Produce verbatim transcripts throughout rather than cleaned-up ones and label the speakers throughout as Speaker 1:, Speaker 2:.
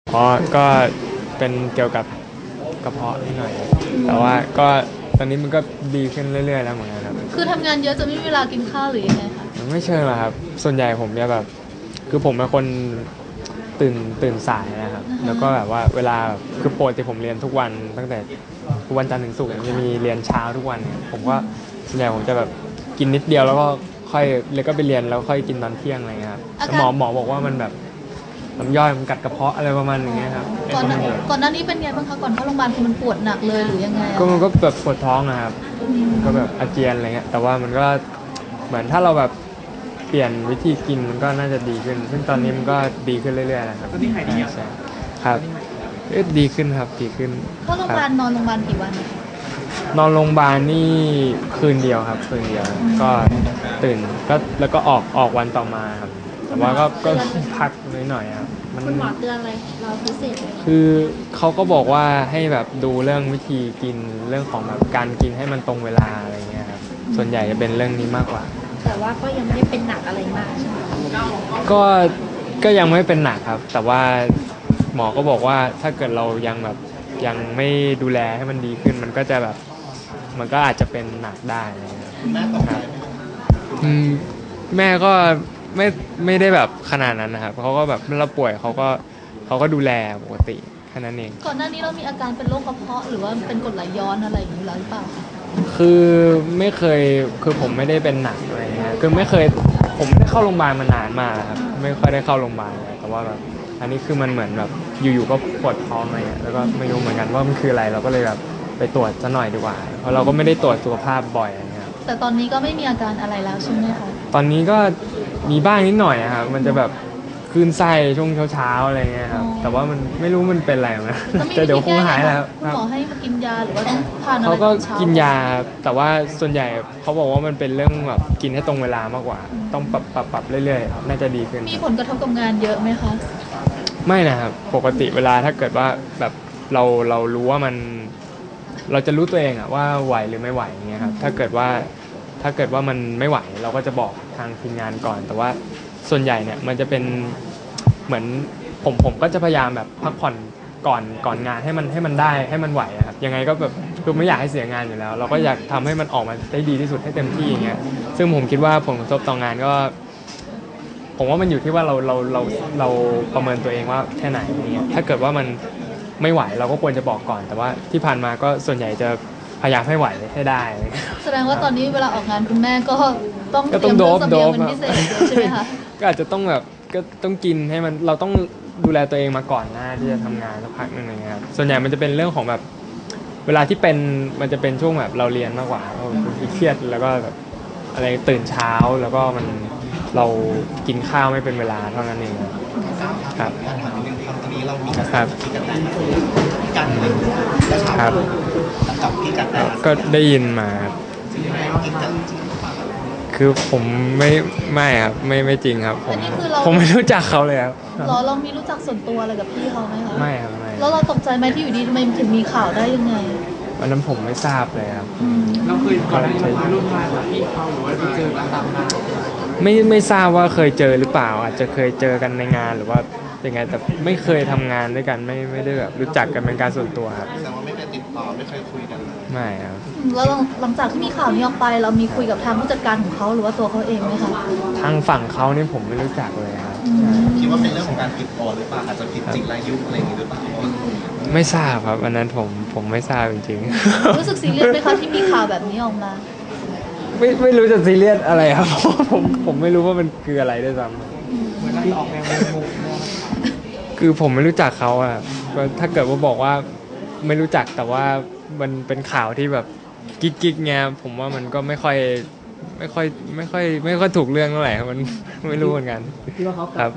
Speaker 1: เพราะก็เป็นเกี่ยวกับกระเพาะนิดหน่อยแต่ว่าก็ตอนนี้มันก็ดีขึ้นเรื่อยๆแล้วเหมือนกันครับ
Speaker 2: คือทำงานเยอะจะไม่มีเวลากินข้าวหรือยังไงคะ
Speaker 1: มันไม่เชิงหรอกครับส่วนใหญ่ผมจะแบบคือผมเป็นคนตื่นตื่นสายนะครับแล้วก็แบบว่าเวลาคือปกติผมเรียนทุกวันตั้งแต่ทุกวันจันทร์ถึงศุกร์จะมีเรียนเช้าทุกวันเนี่ยผมก็ส่วนใหญ่ผมจะแบบกินนิดเดียวแล้วก็ค่อยเลยก็ไปเรียนแล้วค่อยกินตอนเที่ยงอะไรเงี้ยครับหมอหมอบอกว่ามันแบบน้ำย่อยมันกัดกระเพาะอะไรประมาณอย่างเงี้ยครับ
Speaker 2: ก่อนหน้าก่อนหน้านี้เป็นไงบ้างคะก่อนเข้าโรงพยาบาลคือมันปวดหนักเลยหรือยังไง
Speaker 1: ก็มันก็แบบปวดท้องนะครับก็แบบอาเจียนอะไรเงี้ยแต่ว่ามันก็เหมือนถ้าเราแบบเปลี่ยนวิธีกินมันก็น่าจะดีขึ้นซึ่งตอนนี้มันก็ดีขึ้นเรื่อยๆนะครับ
Speaker 3: ตอนนี้หายดีอ่ะ
Speaker 1: ครับเอ๊ะดีขึ้นครับดีขึ้น
Speaker 2: เข้าโรงพยาบาลนอนโรงพยาบาลกี่วัน
Speaker 1: นอนโรงพยาบาลนี่คืนเดียวครับคืนเดียวก็ตื่นก็แล้วก็ออกออกวันต่อมาครับแต่ว่าก็ก็พักนิดหน่อยครับ
Speaker 2: คุณหมอเตือนอะไรเราพิเศษ
Speaker 1: คือเขาก็บอกว่าให้แบบดูเรื่องวิธีกินเรื่องของแบบการกินให้มันตรงเวลาอะไรเงี้ยครับส่วนใหญ่จะเป็นเรื่องนี้มากกว่า
Speaker 2: แต่ว่าก็ยังไม่ได้เป็นหนักอะไรมากใช่ไหม
Speaker 1: ก็ก็ยังไม่เป็นหนักครับแต่ว่าหมอก็บอกว่าถ้าเกิดเรายังแบบยังไม่ดูแลให้มันดีขึ้นมันก็จะแบบมันก็อาจจะเป็นหนักได้นะครับ
Speaker 3: แม่ตกใจไหม
Speaker 1: อืมแม่ก็ไม่ไม่ได้แบบขนาดนั้นนะครับเขาก็แบบเมื่อเราป่วยเขาก็เขาก็ดูแลปกติแค่นั้นเอง
Speaker 2: ก่อนหน้านี้เรามีอาการเป็นโรคกระเพาะหรือว่าเป็นกรดไหลย้อนอะไรอย่างนี้หรือเปล่า
Speaker 1: คือไม่เคยคือผมไม่ได้เป็นหนักอะไรเงี้ยคือไม่เคยผมไม่ได้เข้าโรงพยาบาลมานานมากครับไม่ค่อยได้เข้าโรงพยาบาลเลยแต่ว่าแบบอันนี้คือมันเหมือนแบบอยู่ๆก็ปวดท้องอะไรเงี้ยแล้วก็ไม่รู้เหมือนกันว่ามันคืออะไรเราก็เลยแบบไปตรวจซะหน่อยดีกว่าเพราะเราก็ไม่ได้ตรวจสุขภาพบ่อยอะไรเงี้ย
Speaker 2: แต่ตอนนี้ก็ไม่มีอาการอะไรแล้วใช่ไหมคะ
Speaker 1: ตอนนี้ก็มีบ้างนิดหน่อยนะครับมันจะแบบคลื่นไส้ช่วงเช้าๆอะไรเงี้ยครับแต่ว่ามันไม่รู้มันเป็นอะไรนะแต่เดี๋ยวคงหายแล้ว
Speaker 2: คุณหมอให้มากินยาหรือว่าต้องทานอะไร
Speaker 1: เขาก็กินยาแต่ว่าส่วนใหญ่เขาบอกว่ามันเป็นเรื่องแบบกินให้ตรงเวลามากกว่าต้องปรับปรับปรับเรื่อยๆน่าจะดีขึ้น
Speaker 2: มีผลกระทบกับงานเยอะไหมคะ
Speaker 1: ไม่นะครับปกติเวลาถ้าเกิดว่าแบบเราเรารู้ว่ามันเราจะรู้ตัวเองอะว่าไหวหรือไม่ไหวเงี้ยครับถ้าเกิดว่าถ้าเกิดว่ามันไม่ไหวเราก็จะบอกทางทีมงานก่อนแต่ว่าส่วนใหญ่เนี่ยมันจะเป็นเหมือนผมผมก็จะพยายามแบบพักผ่อนก่อนก่อนงานให้มันให้มันได้ให้มันไหวครับยังไงก็แบบคือไม่อยากให้เสียงานอยู่แล้วเราก็อยากทำให้มันออกมาได้ดีที่สุดให้เต็มที่อย่างเงี้ยซึ่งผมคิดว่าผลกระทบต่องานก็ผมว่ามันอยู่ที่ว่าเราเราเราเราประเมินตัวเองว่าแค่ไหนอย่างเงี้ยถ้าเกิดว่ามันไม่ไหวเราก็ควรจะบอกก่อนแต่ว่าที่ผ่านมาก็ส่วนใหญ่จะพยายามให้ไหวให้ได้
Speaker 2: แสดงว่าตอนนี้เวลาออกงานคุณแม่ก็ต้องเตรียมเรื่องเสบียงเป็นพิเศษใช่ไหมคะ
Speaker 1: ก็อาจจะต้องแบบก็ต้องกินให้มันเราต้องดูแลตัวเองมาก่อนหน้าที่จะทำงานสักพักนึงอย่างเงี้ยครับส่วนใหญ่มันจะเป็นเรื่องของแบบเวลาที่เป็นมันจะเป็นช่วงแบบเราเรียนมากกว่าเราเครียดแล้วก็แบบอะไรตื่นเช้าแล้วก็มันเรากินข้าวไม่เป็นเวลาเท่านั้นเองครับ
Speaker 3: ถามนิดนึงครับตอนนี้เรามีกระแส
Speaker 1: ครับ
Speaker 3: ที่กระแตพี่กันเลยแล้วถามกับพี่กันแต่
Speaker 1: ก็ได้ยินมาครับ
Speaker 3: กินกัน
Speaker 1: คือผมไม่ไม่ครับไม่ไม่จริงครับผมผมไม่รู้จักเขาเลยครับ
Speaker 2: เราเรามีรู้จักส่วนตัวอะไรกับพี่เขาไหมคะ
Speaker 1: ไม่ครับไม่
Speaker 2: แล้วเราตกใจไหมที่อยู่ดีทำไมถึงมีข่าวได้ยังไง
Speaker 1: วันนั้นผมไม่ทราบเลยครับ
Speaker 3: เราเคยก่อนหน้านี้เราร่วมงานกับพี่เขาหรือว่าไปเจอกันตามงาน
Speaker 1: ไม่ไม่ทราบว่าเคยเจอหรือเปล่าอาจจะเคยเจอกันในงานหรือว่ายังไงแต่ไม่เคยทำงานด้วยกันไม่ไม่ได้แบบรู้จักกันเป็นการส่วนตัวครับ
Speaker 3: แสดงว่าไม่เคยติดต่อไม่เคยคุยกัน
Speaker 1: ไม่ครับ
Speaker 2: แล้วหลังจากที่มีข่าวนี้ออกไปเรามีคุยกับทางผู้จัดการของเขาหรือว่าตัวเขาเองไหมคะ
Speaker 1: ทางฝั่งเขานี่ผมไม่รู้จักเลยครับ
Speaker 3: คิดว่าเป็นเรื่องของการผิดโอนหรือเปล่าอาจจะผิดจริงรายุอะไรอย่างนี้หรือเปล่า
Speaker 1: ไม่ทราบครับอันนั้นผมผมไม่ทราบจริง
Speaker 2: ๆรู้สึกซีเรียสไหมคะที่มีข่าวแบบนี้ออกมา
Speaker 1: ไม่ไม่รู้จะซีเรียสอะไรครับผมผมไม่รู้ว่ามันคืออะไรด้วยซ้ำ
Speaker 3: เหมือนเราออกแนวงง
Speaker 1: คือผมไม่รู้จักเขาอะก็ถ้าเกิดว่าบอกว่าไม่รู้จักแต่ว่ามันเป็นข่าวที่แบบกิ๊กกิ๊กเงี้ยผมว่ามันก็ไม่ค่อยไม่ค่อยไม่ค่อยไม่ค่อยถูกเรื่องเท่าไหร่มันไม่รู้เหมือนกันครับ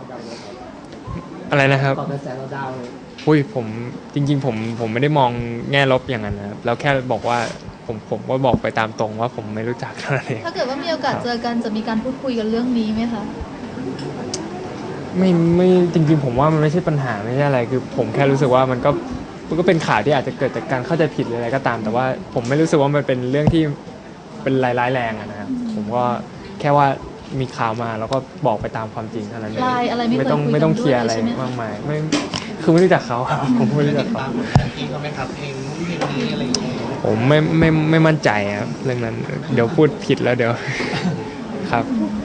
Speaker 1: อะไรนะครับ
Speaker 3: ต่อกระแสเราดาวเลย
Speaker 1: อุ้ยผมจริงๆผมผมไม่ได้มองแง่ลบอย่างนั้นนะครับแล้วแค่บอกว่าผมผมก็บอกไปตามตรงว่าผมไม่รู้จักเท่านั้นเอง
Speaker 2: ถ้าเกิดว่ามีโอกาสเจอกันจะมีการพูดคุยกันเรื่องนี้ไหมคะ
Speaker 1: ไม่ไม่จริงๆผมว่ามันไม่ใช่ปัญหาไม่ใช่อะไรคือผมแค่รู้สึกว่ามันก็มันก็เป็นข่าวที่อาจจะเกิดจากการเข้าใจผิดหรืออะไรก็ตามแต่ว่าผมไม่รู้สึกว่ามันเป็นเรื่องที่เป็นร้ายแรงอะนะครับผมก็แค่ว่ามีข่าวมาแล้วก็บอกไปตามความจริงเท่านั้นเอง
Speaker 2: ไม่
Speaker 1: ต้องไม่ต้องเคลียร์อะไรมากมายไม่คือไม่รู้จักเขาครับผมไม่รู้จั
Speaker 3: ติ
Speaker 1: ก
Speaker 3: ด
Speaker 1: เขา
Speaker 3: ตามผลงานพี่เขาไหมครับเพลงนู้นเพลงนี้อะไรอย่างเงี้ย
Speaker 1: ผมไม่ไม่ไม่มั่นใจครับเรื่องนั้น เดี๋ยวพูดผิดแล้วเดี๋ยว ครับ
Speaker 2: อ